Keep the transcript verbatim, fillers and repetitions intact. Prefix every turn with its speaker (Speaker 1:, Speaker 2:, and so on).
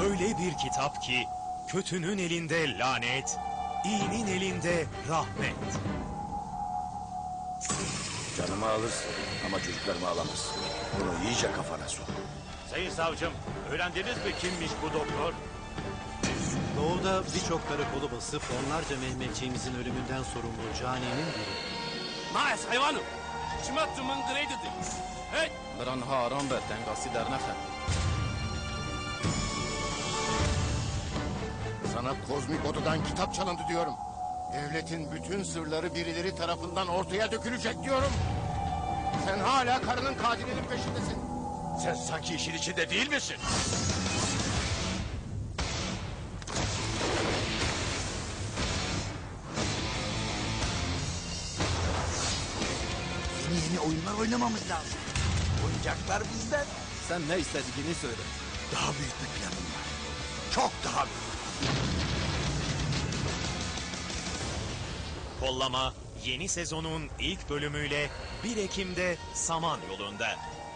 Speaker 1: Öyle bir kitap ki kötünün elinde lanet, iyinin elinde rahmet.
Speaker 2: Canımı alırsın ama çocuklarımı alamazsın. Bunu iyice kafana sok.
Speaker 3: Sayın savcım, öğrendiniz mi kimmiş bu doktor?
Speaker 4: Doğuda birçok karakolu basıp onlarca Mehmetçiğimizin ölümünden sorumlu caninin biri.
Speaker 3: Maes hayvanım! Çımatçımın greydidir. Hey!
Speaker 5: بران ها آرام به دنگاسی در نخن.
Speaker 2: Sana kozmik odadan kitap çalındı diyorum. Devletin bütün sırları birileri tarafından ortaya dökülecek diyorum. Sen hala karının katilinin peşindesin.
Speaker 3: Sen sanki işin içinde değil misin?
Speaker 6: Yeni yeni oyunlar oynamamız lazım. Oyuncaklar bizden.
Speaker 5: Sen ne istediğini söyle.
Speaker 6: Daha büyük bir planım var. Çok daha büyük.
Speaker 1: Kollama yeni sezonun ilk bölümüyle bir Ekim'de Samanyolu'nda.